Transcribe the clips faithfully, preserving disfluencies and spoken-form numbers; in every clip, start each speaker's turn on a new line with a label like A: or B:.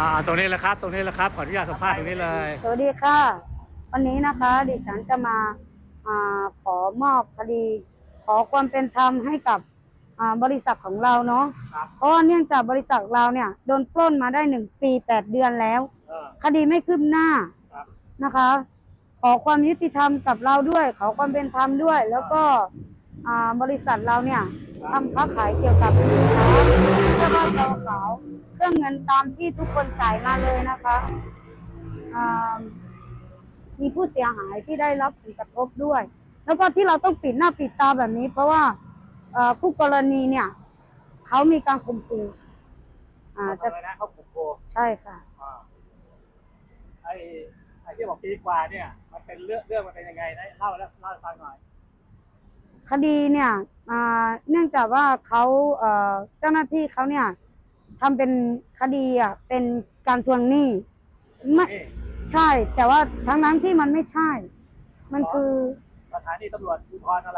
A: าตรงนี้แหละครับตรงนี้แหละครับขออนุญาตสัมภาษณ์ตรงนี้เลย
B: สวัสดีค่ะวันนี้นะคะดิฉันจะมาอาขอมอบคดี ขอความเป็นธรรมให้กับบริษัทของเราเนาะเพราะว่าเนื่องจากบริษัทเราเนี่ยโดนปล้นมาได้หนึ่งปีแปดเดือนแล้วคดีไม่คืบหน้านะคะ ขอความยุติธรรมกับเราด้วย ขอความเป็นธรรมด้วย แล้วก็บริษัทเราเนี่ยทำค้าขายเกี่ยวกับสินค้าเสื้อผ้าชาวขาวเครื่องเงินตามที่ทุกคนใส่มาเลยนะคะมีผู้เสียหายที่ได้รับผลกระทบด้วย แล้วก็ที่เราต้องปิดหน้าปิดตาแบบนี้ เพราะว่าผู้กรณีเนี่ยเขามีการข่มขู่อ่าจะ
A: เขาข่มขู่
B: ใช่ค่ะ
A: ไอ้ไอ้ที่บอกปีกว่าเนี่ยมันเป็นเรื่องเรื่องมันเป็นยังไงได้เล่าแล้วเล่าให้ฟังหน่อย
B: คดีเนี่ยเนื่องจากว่าเขาเจ้าหน้าที่เขาเนี่ยทำเป็นคดีอ่ะเป็นการทวงหนี้ไม่ใช่แต่ว่าทั้งนั้นที่มันไม่ใช่ มันคือ
A: สถานีตำรวจภูธรอะไร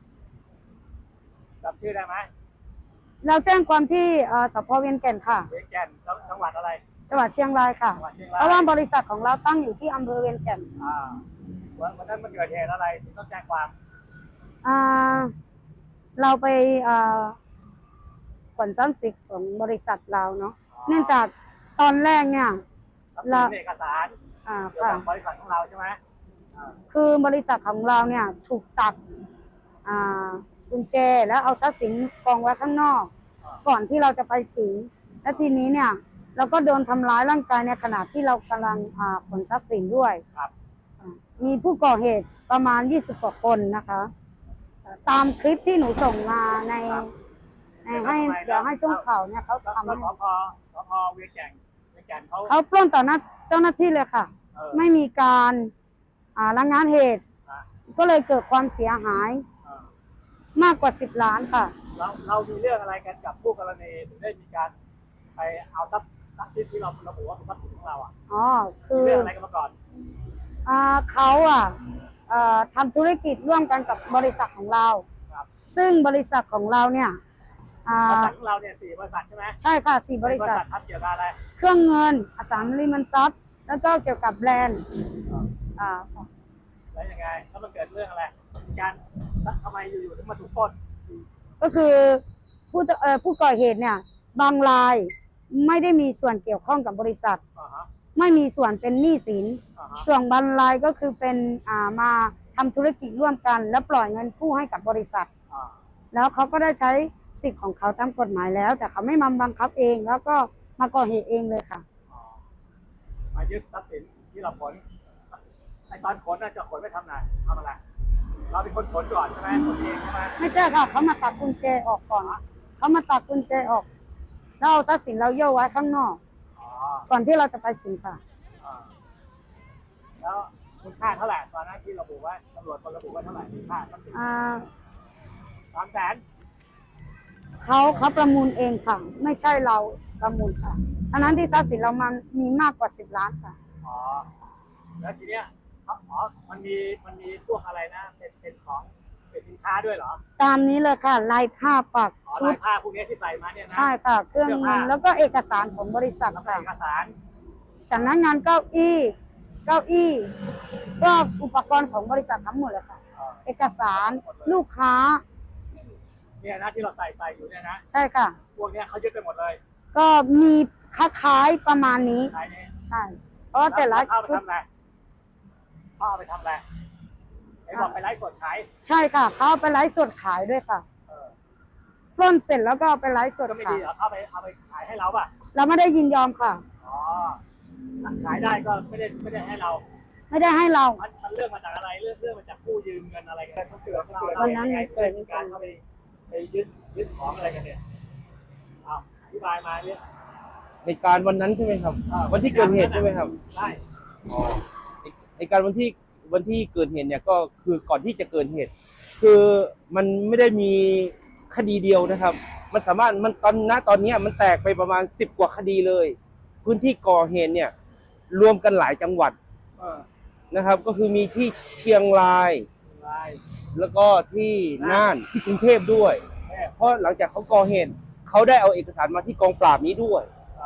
A: จำชื่อได้ไหม
B: เราแจ้งความที่สพเวียงแก่นค่ะ
A: เวียงแก่นจังหวัดอะไร
B: จังหวัดเชียงรายค่ะเพราะว่าบริษัทของเราตั้งอยู่ที่อำเภอเวียงแก่น
A: อ่าวันนั้นมันเกิดเหตุอะไรถึงต้องแจ้งความ
B: อ่าเราไปขนทรัพย์สินของบริษัทเราเนาะเนื่องจากตอนแรกเนี่ย
A: เราเอกสาร
B: อ่าค่ะ
A: บริษัทของเราใช่ไหม
B: คือบริษัทของเราเนี่ยถูกตัดอ่ากุญแจแล้วเอาทรัพย์สินกองไว้ข้างนอกก่อนที่เราจะไปถึงและทีนี้เนี่ยเราก็โดนทำร้ายร่างกายในขณะที่เรากำลังขนทรัพย์สินด้วยมีผู้ก่อเหตุประมาณยี่สิบกว่าคนนะคะตามคลิปที่หนูส่งมาในให้เดี๋ยวให้ช่วงข่าวเนี่ยเขาทำให้
A: สพสพเวียงแก่นเวียงแก่นเขา
B: เขาปล้นต่อหน้าเจ้าหน้าที่เลยค่ะไม่มีการระงับเหตุก็เลยเกิดความเสียหายมากกว่าสิบล้านค่ะ
A: เราเรามีเรื่องอะไรกันกับผู้กรณีถึงได้มีการไปเอาทรัพย์ทรัพย์ที่เราระบุว่าเป็นทรัพย์สินของเราอ่ะ
B: อ๋อคือ
A: เรื่องอะไรกันมาก่อน
B: อ่าเขาอ่ะทำธุรกิจร่วมกันกับบริษัทของเราซึ่งบริษัทของเราเนี่ย
A: บริษัทของเราเนี่ยสี่บริษัทใช่ไหม
B: ใช่ค่ะสี่บริษัท
A: ทำเกี่ยวกับอะไร
B: เครื่องเงินอสังหาริมทรัพย์แล้วก็เกี่ยวกับแบรนด์อ่า
A: แล้วยังไงแล้วมันเกิดเรื่องอะไรการทำไมอยู่ๆถึงมาถูกปล้น
B: ก็คือผู้เอ่อผู้ก่อเหตุเนี่ยบางรายไม่ได้มีส่วนเกี่ยวข้องกับบริษัทไม่มีส่วนเป็นหนี้สินส่วนบางรายก็คือเป็นอ่ามาทำธุรกิจร่วมกันแล้วปล่อยเงินกู้ให้กับบริษัทแล้วเขาก็ได้ใช้สิทธิ์ของเขาตามกฎหมายแล้ว แต่เขาไม่มาบังคับเองแล้วก็มาก่อเหตุเองเลยค่ะ
A: มายึดทรัพย์สินที่เราขนไอตอนขนน่าจะขนไม่ทำอะไรทำอะไรเราเป็นคนขนก่อนใช่ไหมขนเองใช่ไหม
B: ไม่ใช่ค่ะเขามาตัดกุญแจออกก่อนเขามาตัดกุญแจออกแล้วเอาทรัพย์สินเราโยกไว้ข้างนอกก่อนที่เราจะไปถึงค่ะ
A: แล้วคุณค่าเท่าไหร่ตอนนั้นที่ระบุว่าตำรวจคนระบุว่าเท่าไหร่คุณค่าทรัพย์สินสามแสน
B: เขาเขาประมูลเองค่ะไม่ใช่เราประมูลค่ะอันนั้นที่ทรัพย์สินเรามันมีมากกว่าสิบล้านค่ะ
A: อ๋อแล้วทีเนี้ยอ๋อมันมีมันมีพวกอะไรนะเป็นเป็นของเป็นสินค้าด้วยเหรอ
B: ตามนี้เลยค่ะลายผ้าปัก
A: ชุดลายผ้าพวกนี้ที่ใส่มาเนี่ยนะ
B: ใช่ค่ะเครื่องเงินแล้วก็เอกสารของบริษัทค่ะ
A: เอกสาร
B: สำนักงานเก้าอี้เก้าอี้ก็อุปกรณ์ของบริษัททั้งหมดเลยค่ะเอกสารลูกค้า
A: เนี่ยนะที่เราใส่ใส่อยู่เนี่ยนะ
B: ใช่ค่ะ
A: พวกนี้เขายึดไปหมดเลย
B: ก็มีคล้ายๆประมาณนี้ใช่เพราะแต่ละชุด
A: เขาเอาไปทำอะไรไอ้บอกไปไลฟ์สดขาย
B: ใช่ค่ะเขาเอาไปไลฟ์สดขายด้วยค่ะปล้นเสร็จแล้วก็เอาไปไลฟ์สด
A: ขายก็ไม่ดีเหรอเขาไปเอาไปขายให้เราป่ะ
B: เราไม่ได้ยินยอมค่ะ
A: อ๋อขายได้ก็ไม่ได้ไม่ได้ให้เรา
B: ไม่ได้ให้เรา
A: มันเรื่องมาจากอะไรเรื่องเรื่องมาจากผู้ยืมเงินอะไรกันเขาเกิดเขาเกิด
B: วันนั้นเกิด
A: การเข้าไปไปยึดยึดของอะไรกันเนี่ยเอาอธิบายมาเนี่ย
C: เหตุการณ์วันนั้นใช่ไหมครับวันที่เกิดเหตุใช่ไหมครับ
A: ใช่
C: อ๋อเหตุการณ์วันที่วันที่เกิดเหตุเนี่ยก็คือก่อนที่จะเกิดเหตุคือมันไม่ได้มีคดีเดียวนะครับมันสามารถมันตอนณตอนนี้มันแตกไปประมาณสิบกว่าคดีเลยพื้นที่ก่อเหตุเนี่ยรวมกันหลายจังหวัดนะครับก็คือมีที่เชียงรายแล้วก็ที่น่านที่กรุงเทพด้วยเพราะหลังจากเขาก่อเหตุเขาได้เอาเอกสารมาที่กองปราบนี้ด้วย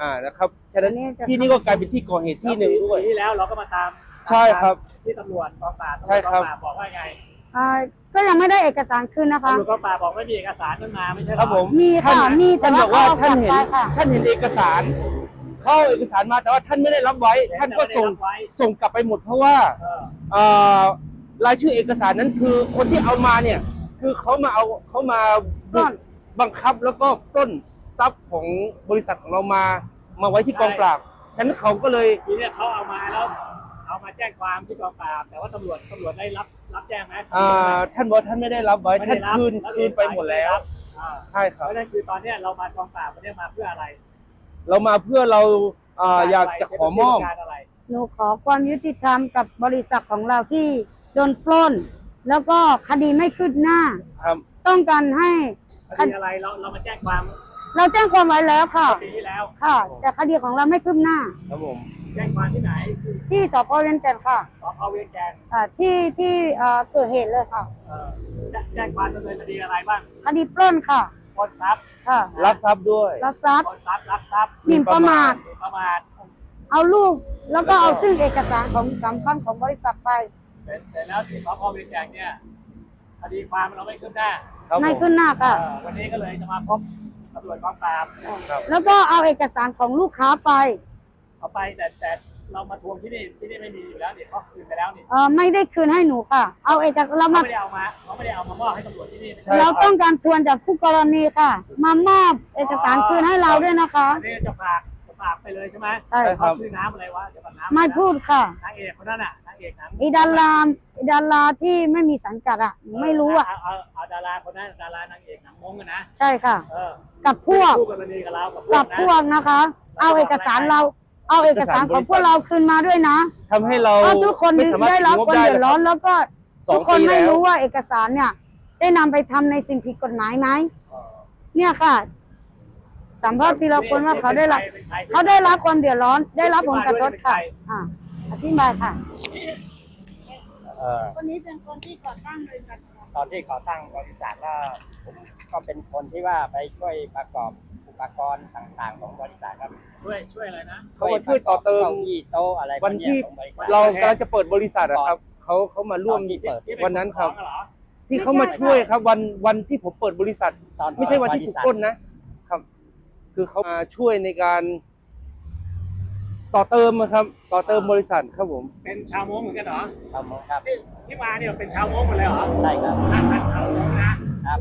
C: อ่านะครับฉะนั้น
B: อันนี้จะ
C: ที่นี่ก็กลายเป็นที่ก่อเหตุที่หนึ่งด้วย
A: ปีที่แล้วเราก็มาตาม
C: ใช่ครับ
A: ที่ตำรวจกองปราบ
C: ใช่ครับ
A: ตำวจกองปราบบอกว่าไง
B: อ่าก็ยังไม่ได้เอกสารคืนนะคะ
A: ตำรวจกองปราบบอกไม่มีเอกสารนั้นมาไม่ใช่เหรอ
C: ครับผม
B: มีค่ะ
C: ท่าน
B: มีแต่
C: ท่านบอกว่า
B: ว่า
C: ท่าน
B: เขา
C: เห็น
B: เอากลับไปค่ะ
C: ท่านเห็นเอกสาร เข้าเอาเอกสารมาแต่ว่าท่านไม่ได้รับไว้ ท่านก็ส่งส่งกลับไปหมดเพราะว่า
A: เออ
C: เอ่อรายชื่อเอกสารนั้นคือคนที่เอามาเนี่ย คือเขามาเอาเขามา
B: ปล้น
C: บังคับแล้วก็ปล้นทรัพย์ของบริษัทของเรามามาไว้ที่กองปราบฉะนั้นเขาก็เลย
A: ทีเนี้ยเขาเอามาแล้วเอามาแจ้งความที่กองปราบแต่ว่าตำรวจตำรวจได้รับรับแจ้งไหม
C: อ่าท่านบอกว่าท่านไม่ได้รับไว้
A: ไม่
C: ท่า
A: ได้
C: น
A: รับ
C: คืน
A: แล้ว
C: คืนไปหมดแล้ว
A: อ่า
C: ใช่ค
A: เพ
C: รับ
A: ราะฉะนั้นคือตอนเนี้ยเรามากองปราบวันนี้มาเพื่ออะไร
C: เรามาเพื่อเราอ่าอยากจะขอมอบ
A: การอะไร
B: หนูขอความยุติธรรมกับบริษัทของเราที่โดนปล้น แล้วก็คดีไม่คืบหน้า
C: ครับ
B: ต้องการให้
A: คดีอะไรเราเรามาแจ้งความ
B: เราแจ้งความไว้แล้วค่ะ
A: ปีที่แล้ว
B: ค่ะ แต่คดีของเราไม่คืบหน้า
C: ครับผม
A: แจ้งความที่ไหน
B: ที่สพเวียงแก่นค่ะ
A: สพเวียงแกน
B: อ่าที่ที่เอ่อเกิดเหตุเลยค่ะ
A: เอ่อแจ้แจ้งความดำเนินคดีอะไรบ้าง
B: คดีปล้นค่ะ
A: ปล้นทรัพย์
B: ค่ะ
C: รับทรัพย์ด้วย
B: ลักทรัพย์
A: ปล้นทรัพย์ลักทรัพย์
B: หมิ่นประมาท
A: หมิ่นประมาท
B: เอาลูก แล้วก็เอาซึ่งเอกสารของสำคัญของบริษัทไป
A: เสร็จเสร็จแล้วที่สพเวียงแกนเนี่ยคดีความเราไม่คืบหน้า
C: ครับ
B: ไม่
C: ผม
B: ขึ้นหน้าค่ะ
A: เอ่อวันนี้ก็เลยจะมาพบตำรวจกองปราบ
C: ครับ
B: แล้วก็เอาเอกสารของลูกค้าไป
A: เอาไปแต่แต่เรามาทวงที่นี่ที่นี่ไม่มีอยู่แล้วนี่เขาคืนไปแล้วนี่
B: เออไม่ได้คืนให้หนูค่ะ เอาเอกสารเรา
A: เขา
B: มา
A: ไม่ได้เอามาเขาไม่ได้เอามามอบให้ตำรวจที่นี่ไม่ใช่
C: ใช่
B: เราต้องการทวนจากผู้กรณีค่ะ มามอบเอกสารคืนให้เราด้วยนะคะ
A: อันนี้จะฝากจะฝากไปเลยใช่ไหม
B: ใช่
A: เขาชื่อน้ำอะไรวะเดี๋ยวก่อนน้ำ
B: ไม่พูดค่ะ
A: นางเอกคนนั้นน่ะนางเอกหนัง
B: อีดารามอีดาราที่ไม่มีสังกัดอ่ะหนูไม่รู้อ่ะ
A: เาเอาเอาดาราคนนั้นดารานางเอกหนังมงกันนะ
B: ใช่ค่ะ
A: เออ
B: กับพวก
A: คู่กรณีกับเรากับพว
B: กั
A: ก
B: บ
A: นะ
B: พวกนะคะ เอาเอกสารเรา เอาเอกสารของพวกเราคืนมาด้วยนะ
C: ทำให้เรา
B: เพราะทุกคน
C: ไม่สามารถ
B: ได้รับ
C: งบ
B: ความ
C: ได้
B: เดือดร้อน
C: นะคบ
B: แล้วก็
C: สอง
B: ทุกคน
C: ปี
B: ไม่
C: แล้ว
B: รู้ว่าเอกสารเนี่ย ได้นำไปทำในสิ่งผิดกฎหมายไหมเนี่ยค่ะสัมภาษณ์ทีละคนว่าเขาได้รับ
A: เป็นใคร
B: เขาได้รับความเดือดร้อน ได้รับผลกระทบค่ะอ่าอธิบายค่ะ
D: เอ่อ
B: คนนี้เป็นคนที่ก่อตั้งบริษัท
D: ตอนที่ก่อตั้งบริษัทก็ผมก็เป็นคนที่ว่าไปช่วยประกอบอุปกรณ์ต่างๆ ของบริษัทครับ
A: ช่วยช่วยอะไรนะ
C: เขามาช่วยต่อเติม
D: ก้าอี้โต๊ะอะไรพ
C: วั
D: ก
C: น
D: เย
C: ที่
D: ของบริษัท
C: เรากำลังจะเปิดบริษัทอะครับเขาเขามาร่วม
D: ตอนที่เปิด
A: ที่เป็
C: วันนั้นครับ
A: ของเหรอ
C: ที่เขามาช่วยครับ วันวันที่ผมเปิดบริษัท
D: ตอน
C: ไม่ใช่วันที่
D: บริ
C: ถูก
D: ษัท
C: ปล้นนะครับ คือเขามาช่วยในการต่อเติมอะครับ ต่อเติมบริษัทครับผม
A: เป็นชาวมงเหมือนกันเหรอ
D: ครับผมครับ
A: ที่ที่มาเนี่ยเป็นชาวมงหมดเลยเหรอ
D: ได้ครับ
A: ชาติพันธุ์ชาวมงนะครับ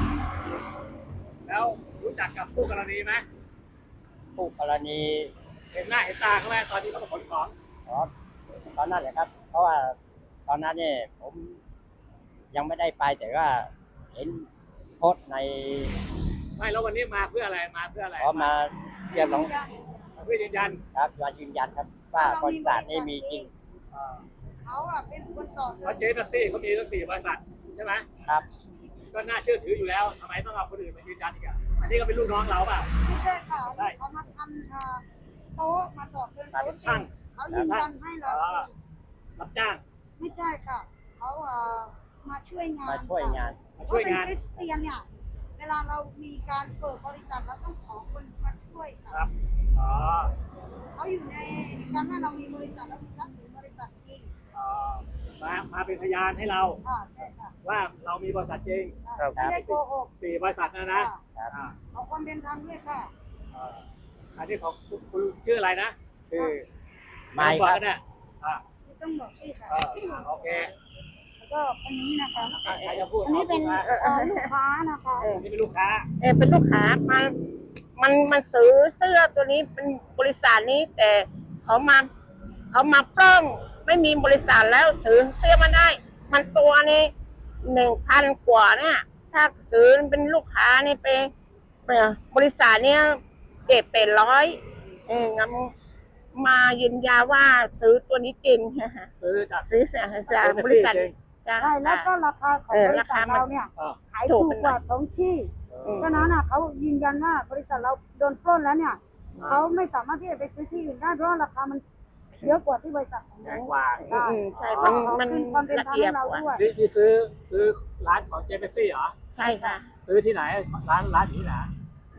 A: แล้วรู้จักกับผู้กรณีไหม
D: ผู้กรณี
A: เห็นหน้าเห็นตาเขาไหมตอนที่เขามาขนของ
D: อ๋อตอนนั้นแหละครับ เพราะว่าตอนนั้นเนี่ยผมยังไม่ได้ไปแต่ว่าเห็นโพสต์ใน
A: ไม่แล้ววันนี้มาเพื่ออะไรมาเพื่ออะไร
D: ขอมาเรียกร้อง
A: เพื่อยืนยัน
D: ครับมายืนยันครับว่าบริษัทนี้มีจริง
A: เอ่อ
B: เขาอะเป็นคนต่อ
A: เพราะเจ๊แท็กซี่เขามีทั้งสี่บริษัทใช่ไหม
D: ครับ
A: ก็น่าเชื่อถืออยู่แล้วทำไมต้องเอาคนอื่นมายืนยันอีกอ่ะอันนี้ก็เป็นลูกน้องเราเปล่า
B: ไม่ใช่ค่ะ
A: ใช่
B: เขามาทำอ่าโต๊ะมาต่อเติม
A: เป็นช่าง
B: เขายืนยันให้เรา
A: อ๋อรับจ้าง
B: ไม่ใช่ค่ะเขาเอ่อมาช่วยงาน
D: มาช่วยงาน
A: มา
B: เขา
A: ช่วย
B: เป็น
A: งาน
B: คริสเตียนเนี่ย เวลาเรามีการเปิดบริษัทเราต้องขอคนมาช่วย
A: ค
B: ค่ะ
A: รับอ๋อ
B: เขาอยู่ในการว่าเรามีบริษัทเรามีทรัพย์สินบริษัทจริง
A: อ๋อมามาเป็นพยานให้เรา
B: ค่ะใช่ค่ะ
A: ว่าเรามีบริษัทจริง
C: ครับ
B: ไม่ได้โกหก
A: สี่บริษัทนะนะ
B: ค่ะ
A: อ่า
B: เอาความเป็นธรรมด้วยค่ะ
A: เอ่ออันนี้ของคุณคุณชื่ออะไรนะ
D: ชื่อไม้
A: บอก
D: ครับ
A: กันเนี่ยอ่า
B: ต้องบอกชื่อค่ะ
A: เอออ่าโอเค
B: แล้วก็คนนี้นะคะ
A: อ่ะใครจะพูด
B: อันนี้เป็น
A: อา
B: เอ่อลูกค้านะคะ
A: อันนี้เป็นลูกค้า
E: เออเป็นลูกค้ามันมันมันซื้อเสื้อตัวนี้เป็นบริษัทนี้ แต่เขามาเขามาปล้องไม่มีบริษัทแล้วซื้อเสื้อมาได้ มันตัวนี้หนึ่งพันกว่าเนี่ย ถ้าซื้อเป็นลูกค้านี่ไปไปบริษัทเนี้ยเก็บเป็นร้อยเอองั้นมายืนยันว่าซื้อตัวนี้จริง
A: ซื้อจาก
E: ซื้อจากจากบริษัทจ้ะ
B: ใช่แล้วก็ราคาของ
E: เออบ
B: ริษัท
E: ราคามัน
B: เราเนี่ย
A: อ่า
B: ขายถูกกว่าท้องที่
A: อืม
B: ฉะนั้นอ่ะเขายืนยันว่าบริษัทเราโดนปล้นแล้วเนี่ย
A: อ่า
B: เขาไม่สามารถที่จะไปซื้อที่อื่นได้เพราะว่าราคามันเยอะกว่าที่บริษัทของ
A: แพ
B: เรา
A: งกว่า
E: อืมอืมใช่มันมัน
B: ขอคืความเป็น
E: ละ
B: ธรรม
E: เอีย
B: ให้
E: ด
B: เรา
E: กว่า
B: ด้วย
A: นี่ที่ซื้อซื้อร้านของเจเปซี่เหรอ
E: ใช่ค่ะ
A: ซื้อที่ไหนร้านร้านอยู่ที่ไหน
B: อ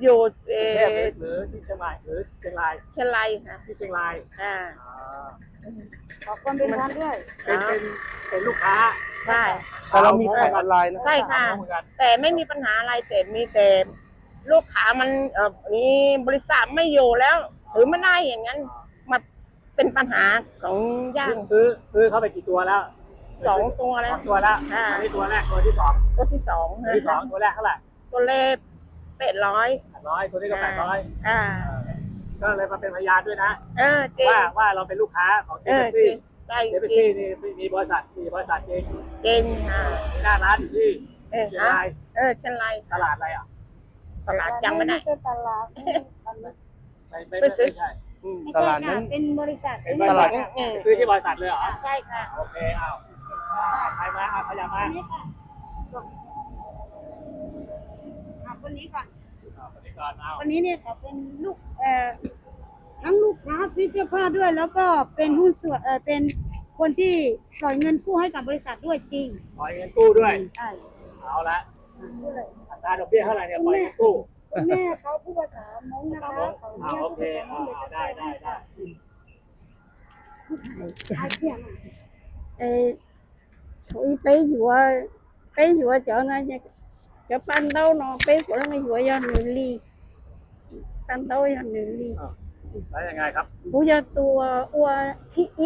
E: อยู่เอก
A: รุงเทพหรือ
E: อ
A: หรือที่เชียงรายหรือเชียงราย
E: เชียงรายค่ะ
A: ที่เชียงราย
E: อ่า
A: อ่า
B: ขอความเป็นธรรมด้วย
A: เป็นเป็นเป็นลูกค้า
E: ใช่
C: แต่เรามีขายออนไลน์นะ
E: ใช่ค่ะ
A: เหมือนกัน
E: แต่ไม่มีปัญหาอะไรแต่มีแต่ลูกค้ามันเออมีบริษัทไม่อยู่แล้วซื้อไม่ได้อย่างนั้นมาเป็นปัญหาของย่าง
A: ซื้อซื้อเข้าไปกี่ตัวแล้ว
E: สองตัว
A: ส
E: แล้
A: อ
E: ว
A: งตัวแล้ว
E: อ่า
A: อันนี้ตัวแรกตัวที่สอง
E: ตัวที่สอง
A: ตัวที่สองตัวแรกเท่าไหร่
E: ตัวเลขแปดร้อย
A: แปดร้อยตัวนี้ก็แปดร้อย
E: อ่า
A: ก็เลยมาเป็นพยานด้วยนะ
E: เออจริง
A: ว่าว่าเราเป็นลูกค้าของเจ
E: เออ
A: เปซี่
E: จริงใจ
A: เจเป
E: จริ
A: ซี่
E: ง
A: นี่มีบริษัทสี่บริษัทจริง
E: จริงอ่า
A: มีหน้าร้านอยู่ที่
E: เออ
A: เชียง
E: ฮะ
A: ราย
E: เออเชียงราย
A: ตลาดอะไรอ่ะ
E: ตลาดจำไม่ได้
B: ใช่ตลาด
A: ไม่ไม่
E: ไป
A: ไม่
E: ซื้อ
A: ใช่
E: อืม
B: ไม่
C: ต
B: ใช่
C: ลาดนั้
B: ค่ะ
C: น
B: เป็นบริษัท
A: เป็น
B: ซื้อบ
A: ริษัท
B: ค่ะ
E: เออ
A: ซื้อที่บริษัทเลยเหรอ
E: ใช่ค่ะ
A: โอเคเอาใครมาเอาขยับมา
B: นี่ค่ะอ่ะคนนี้ก่อน
A: เอาคนนี้ก่อนเอา
B: คนนี้เนี่ยเขาเป็นลูกเอ่อทั้งลูกค้าซื้อเสื้อผ้าด้วย แล้วก็เป็นหุ้นส่วนเออเป็นคนที่ปล่อยเงินกู้ให้กับบริษัทด้วยจริง
A: ปล่อยเงินกู้ด้วย
B: ใช่
A: เอาละ
B: พูดเลย
A: อัตราดอกเบี้ยเท่าไหร่เนี่ยปล่อยเงินกู้
B: คุณแม่เขาพูดภาษามงนะคะเขา
A: อ่า
B: เรียก
A: โอ
B: พูด
A: เค
B: ภาษาม
A: อ่าง
B: เดี๋ยวจะ
A: ได้ได้ได้
B: ไอ้เพี้ยน
F: Ê, thôi bé vừa bé vừa chợ này chợ pan đâu nó bé của nó vừa do nửa ly pan đâu do nửa ly
A: แล้วยังไงครับ
F: bố do tua ua thị y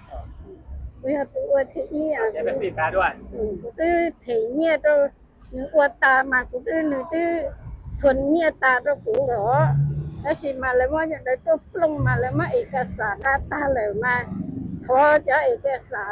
F: bố do tua ua thị y à
A: เจเปซี่แปลด้วย
F: bố tư thể nhẹ đâu nửa ua ta mà cũng tư nửa tư thuần nhẹ ta đâu cũng đó đó chỉ mà lại mà nhận đấy tôi plong mà lại mà ê cái sa ta ta lại mà thôi cho ê cái sa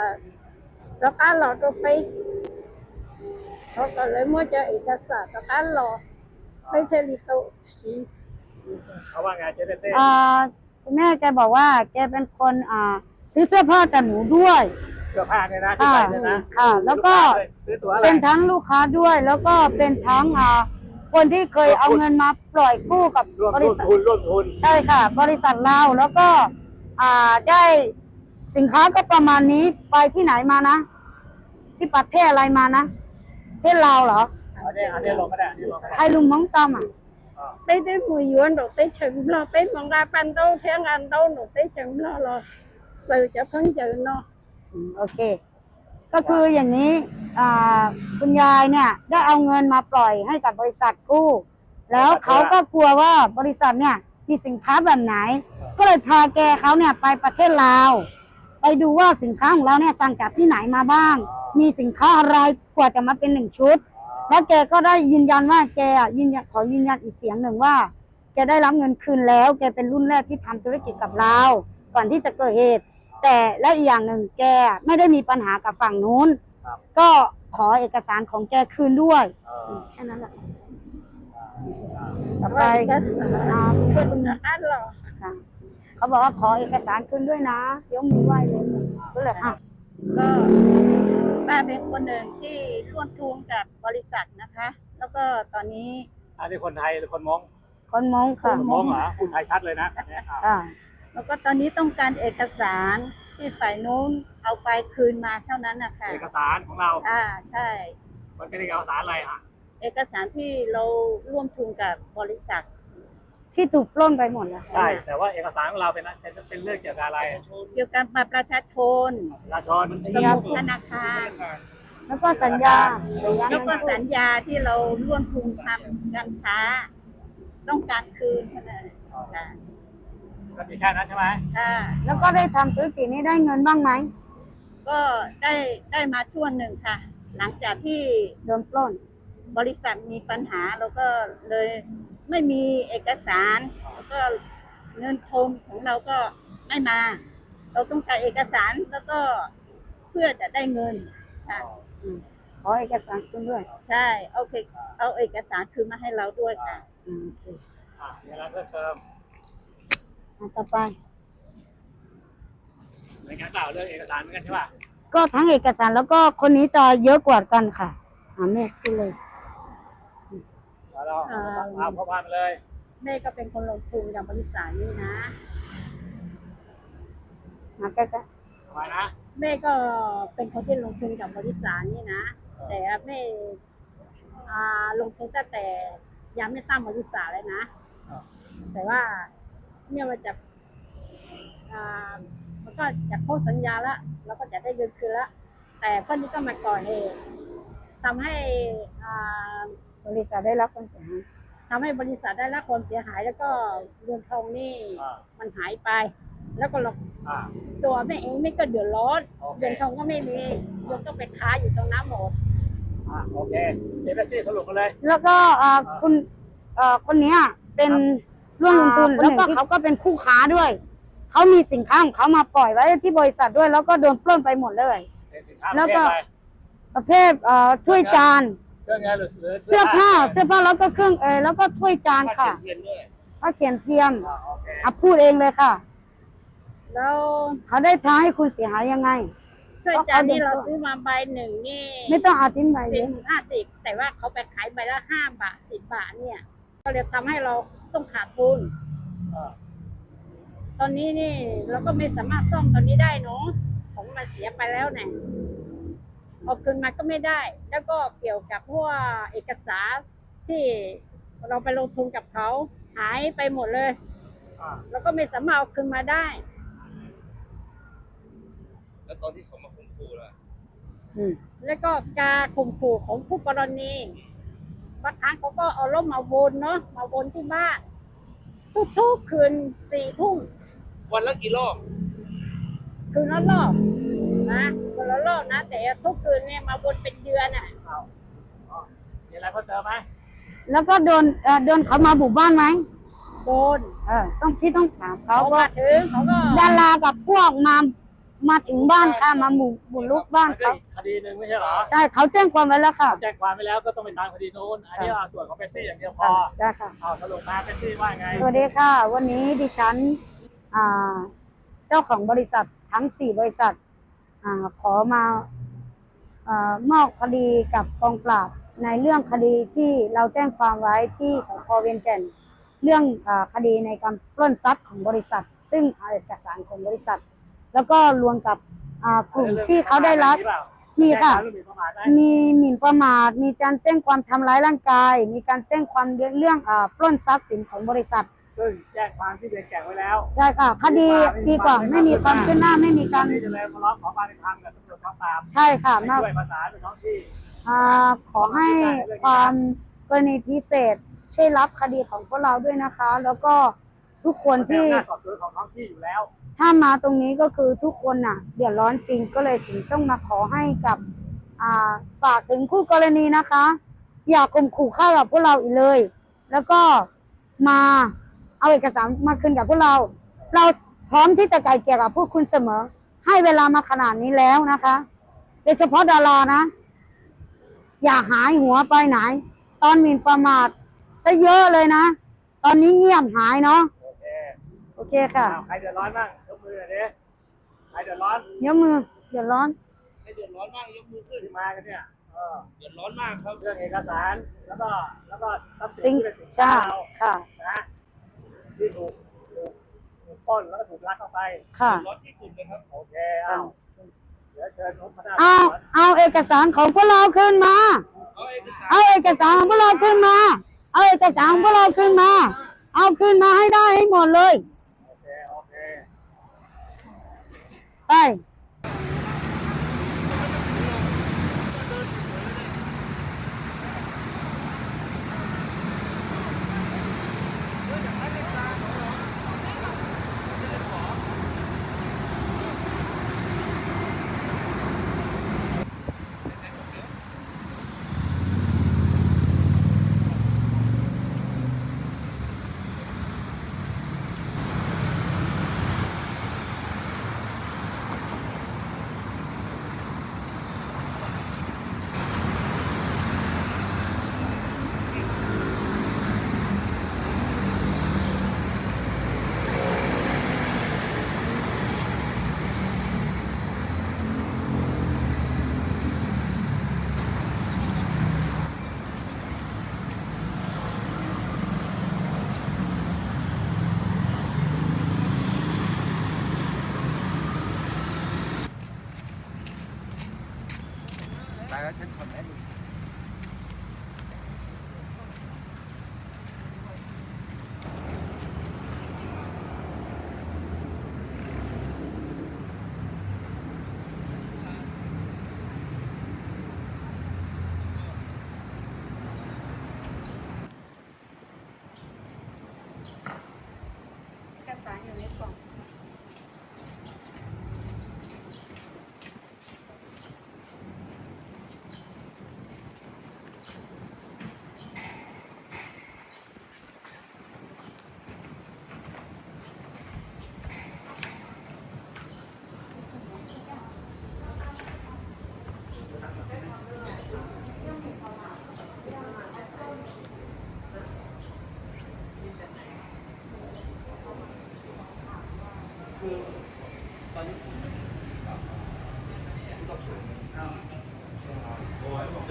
F: đó cá lò đó bayเขาก็เลยมั่วจะเอกสารกับการรอไม่เทลิโตสี
A: เขาว่าไงเจเปซี่
B: อ่าคุณแม่แกบอกว่า แกเป็นคนอ่าซื้อเสื้อผ้าจากหนูด้วย
A: เสื้อผ้าเนี่ยนะที่
B: ค่ะ
A: ใส่เนี่ยนะ
B: ค่ะ แล้วก็
A: ซื้อตั๋วอะไร
B: เป็นทั้งลูกค้าด้วย แล้วก็เป็นทั้งอ่าคนที่เคยเอาเงินมาปล่อยกู้กับ
A: ร่วม
B: บ
A: ร่
B: ริ
A: วม
B: ษัท
A: ทุนร่วมทุน
B: ใช่ค่ะ บริษัทเราแล้วก็อ่าได้สินค้าก็ประมาณนี้ไปที่ไหนมานะ ที่ประเทศอะไรมานะประเทศลาวเหรอ
A: อันนี้อันนี้ลงก็ได้อันนี้ลงก็
B: ใคร
A: ได้
B: ลุงมองตอมอ่ะ
F: เต้ได้มวยยวนดอกเต้ถึงรอเต้มองราปันโตเทียงอันโตหนูเต้ถึงรอรอสื่อจะเพิ่งเจอเนาะ
B: อืมโอเค ก็คืออย่างนี้อ่าคุณยายเนี่ย ได้เอาเงินมาปล่อยให้กับบริษัทกู้ แล้วเขาก็กลัวว่าบริษัทเนี่ยมีสินค้าแบบไหน ก็เลยพาแกเขาเนี่ยไปประเทศลาว ไปดูว่าสินค้าของเราเนี่ยสั่งจากที่ไหนมาบ้าง มีสินค้าอะไรกว่าจะมาเป็นหนึ่งชุด แล้วแกก็ได้ยืนยันว่าแกอ่ะยืนยันขอยืนยันอีกเสียงหนึ่งว่า แกได้รับเงินคืนแล้ว แกเป็นรุ่นแรกที่ทำธุรกิจกับเรา ก่อนที่จะเกิดเหตุ แต่และอีกอย่างหนึ่งแกไม่ได้มีปัญหากับฝั่งนู้น ก็ขอเอกสารของแกคืนด้วย
A: เออ
B: แค่นั้นแหละต่อไป
F: ว่าเอกสาร
B: อ่า
F: คุ
B: คุณ
F: ณอันหรอ
B: ค่ะเขาบอกว่าขอเอกสารคืนด้วยนะยกมือไหว้เลยก็เลยอ่ะ
G: ก็ป้าเป็นคนหนึ่งที่ร่วมทุนกับบริษัทนะคะ แล้วก็ตอนนี้
A: อันนี้คนไทยหรือคนมง
B: คนมองค่ะ
A: คนมงเหรอคุณไทยชัดเลยนะอันเนี้ยอ่ะ
B: ค่ะ
G: แล้วก็ตอนนี้ต้องการเอกสารที่ฝ่ายนู้นเอาไปคืนมาเท่านั้นนะคะ
A: เอกสารของเรา
G: อ่าใช่
A: มันเป็นเอกสารอะไรอ่ะ
G: เอกสารที่เราร่วมทุนกับบริษัท
B: ที่ถูกปล้นไปหมดแล้ว
A: ใช่ แต่ว่าเอกสารของเราเป็นเป็นเป็นเรื่องเกี่ยวกับอะไร
G: เกี่ยวกับบัตรประชาชน
A: ประชาชน
G: สมุดธนาคาร
B: แล้วก็สัญญาสัญญา
G: แล้วก็สัญญาที่เราร่วมทุนทำการค้า ต้องการคืนเท่านั้นค่ะ
A: ก็มีแค่นั้นใช่ไหม
G: ค่ะ
B: แล้วก็ได้ทำธุรกิจนี้ได้เงินบ้างไหม
G: ก็ได้ได้มาช่วงหนึ่งค่ะ หลังจากที่
B: โดนปล้น
G: บริษัทมีปัญหาเราก็เลยไม่มีเอกสารแล้วก็เงินทุนของเราก็ไม่มา เราต้องการเอกสารแล้วก็เพื่อจะได้เงินค่ะ
B: ขอเอกสารคืนด้วย
G: ใช่เอาเอกเอาเอกสารคืนมาให้เราด้วยค่ะ
B: อืมโอเค
A: อ่ะมีอะไรเพิ่มเติม
B: อ่ะต่อไป
A: เหมือนกันเปล่าเรื่องเอกสารเหมือนกันใช่ป่ะ
B: ก็ทั้งเอกสารแล้วก็คนนี้จะเยอะกว่ากันค่ะอ่าแม่พูดเลย
A: แล้วเราเอาพ่อพานมาเลย
F: แม่ก็เป็นคนลงทุนกับบริษัทนี้นะ
B: มาใกล้
A: ทำไมนะ
F: แม่ก็เป็นคนที่ลงทุนกับบริษัทนี้นะ แต่แม่อ่าลงทุนตั้งแต่ยังไม่ตั้งบริษัทเลยนะ
A: อ่า
F: แต่ว่าเนี่ยมันจะอ่ามันก็จะพ้นสัญญาแล้วเราก็จะได้เงินคืนแล้วแต่พวกนี้ก็มาก่อเหตุทำให้อ่า
B: บริษัทได้รับความเสียหาย
F: ทำให้บริษัทได้รับความเสียหายแล้วก็เงินทองนี่
A: อ่า
F: มันหายไป แล้วก็เรา
A: อ่า
F: ตัวแม่เองไม่ก็เดือดร้อน
A: โอเค
F: เงินทองก็ไม่มีโยมต้องไปค้าอยู่ตรงน้ำหมด
A: อ่าโอเคเดี๋ยวแท็กซี่สรุปกันเลย
B: แล้วก็เอ่อคุณเอ่อคนเนี้ยเป็นร่วมลงทุนแล้วก็เขาก็เป็นคู่ค้าด้วยเขามีสินค้าของเขามาปล่อยไว้ที่บริษัทด้วย แล้วก็โดนปล้นไปหมดเลย
A: เป็นสินค้าป
B: แล้
A: ระ
B: ว
A: เภ
B: ก็
A: ทอะไร
B: ประเภทเอ่อถ้วยจาน
A: เครื่องเงินหรือหรือ
B: เสื้อผ้าเสื้อผ้าแล้วก็เครื่องเออแล้วก็ถ้วยจานค่ะ
C: เทียนด้วย
B: ผ้าเขียนเทียม
A: อ่าโอเค
B: อ่ะพูดเองเลยค่ะ
F: แล้ว
B: เขาได้ท้าให้คุณเสียหายยังไง
F: ถ้วยจานนี่เราซื้อมาใบหนึ่งนี่
B: ไม่ต้องอธิบายเย
F: สี่
B: อะ
F: สิบห้าสิบแต่ว่าเขาไปขายใบละห้าบาทสิบบาทเนี่ย ก็เลยทำให้เราต้องขาดทุน
A: อ่า
F: ตอนนี้นี่เราก็ไม่สามารถซ่อมตอนนี้ได้เนาะของมันเสียไปแล้วเนี่ยเอาคืนมาก็ไม่ได้ แล้วก็เกี่ยวกับพวกเอกสารที่เราไปลงทุนกับเขาหายไปหมดเลย
A: อ่า
F: เราก็ไม่สามารถเอาคืนมาได้
C: แล้วตอนที่เขามาข่มขู่ล่ะ
B: อืม
F: แล้วก็การข่มขู่ของผู้กรณีบางครั้งเขาก็เอารถมาวนเนาะมาวนที่บ้านทุกๆคืนสี่ทุ่ม
C: วันละกี่รอบ
F: คืนละรอบนะคืนละรอบนะ แต่ทุกคืนเนี่ยมาวนเป็นเดือนอ่ะ
A: เอาอ๋อมีอะไรเพิ่มเติมไหม
B: แล้วก็โดนเอ่อโดนเขามาบุกบ้านไหม
F: โดน
B: เออต้องพี่ต้องถามเขา
F: เขา
B: ว่า
F: มาถึงเขาก็
B: ดารากับพวกมามาถึงบ้านค่ะมาบุกบุกลุกบ้าน
A: มันก็
B: เขา
A: อีกคดีหนึ่งไม่ใช่เหรอ
B: ใช่เขาแจ้งความไว้แล้วค่ะ
A: แจ้งความไปแล้วก็ต้องไปตามคดีโน้นอันนี้เอาส่วนของเป๊ปซี่อย่างเดียวพอ
B: ได้ค่ะ
A: เอาสรุปมาเป๊ปซี่ว่าไง
B: สวัสดีค่ะ วันนี้ดิฉันอ่าเจ้าของบริษัททั้งสี่บริษัทอ่าขอมาอามอบคดีกับกองปราบในเรื่องคดีที่เราแจ้งความไว้ที่สพเวียงแก่น เรื่องอาคดีในการปล้นทรัพย์ของบริษัท ซึ่งเอาเอกสารของบริษัท แล้วก็รวมกับอ่ากลุ่มที่เขาได้รับ มีค่ะ
A: เรื่องหมิ่นประมาทไหม
B: มีหมิ่นประมาท มีการแจ้งความทำร้ายร่างกาย มีการแจ้งความเรื่องอ่าปล้นทรัพย์สินของบริษัท
A: ซึ่งแจ้งความที่เวียนแก่งไว้แล้ว
B: ใช่ค่ะ คดีดีกว่าไม่มีความขึ้นหน้าไม่มีการ
A: นี่จะเลยมาร้องขอความเป็นธรรมกับตำรวจกองปราบ
B: ใช่ค่ะ
A: ให้
B: มา
A: ช่วยประสานไปท้องที่
B: อ่าขอให้ความกรณีพิเศษช่วยรับคดีของพวกเราด้วยนะคะ แล้วก็ทุกคน
A: เป็น
B: ที่
A: อำนาจสอบสวนของท้องที่อยู่แล้ว
B: ถ้ามาตรงนี้ก็คือทุกคนน่ะเดือดร้อนจริงก็เลยถึงต้องมาขอให้กับอ่าฝากถึงคู่กรณีนะคะ อย่าข่มขู่ฆ่ากับพวกเราอีกเลย แล้วก็มาเอาเอกสารมาคืนกับพวกเรา เราพร้อมที่จะไกลเกลี่ยกับพวกคุณเสมอ ให้เวลามาขนาดนี้แล้วนะคะโดยเฉพาะดารานะ อย่าหายหัวไปไหน ตอนหมิ่นประมาทซะเยอะเลยนะ ตอนนี้เงียบหายเนาะ
A: โอเค
B: โอเคค่ะ
A: อ้าวใครเดือดร้อนบ้างยกมือหน่อยดิใครเดือดร้อน
B: ยกมือเดือดร้อน
C: ให้เดือดร้อนมากยกมือขึ้น
A: ที่มากันเนี่ยเออ
C: เดือดร้อนมากครับ
A: เรื่องเอกสารแล้วก็แล้วก็ทรัพย์สิ
B: ซิ
A: น
B: ง
A: ที่เป็นสิน
B: ใช่
A: ค้าเรา
B: ค่ะ
A: นะที่ถูกถูกถูกปล้นแล้วก็ถูกลักเข้าไป
B: ค่ะ
C: ร้อนที่สุดเลยครับ
A: โอเคเอาเดี๋ยวเชิญนุ๊กพนัก
B: เอาเอาเอกสารของพวกเราขึ้นมา
C: เอาเอกสาร
B: เอาเอกสารของพวกเราขึ้นมา เอาเอกสารของพวกเราขึ้นมา เอาขึ้นมาให้ได้ให้หมดเลย
A: โอเคโอเค
B: ไป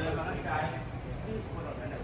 C: มาตั้งใจชื่อคนเหล่านั้น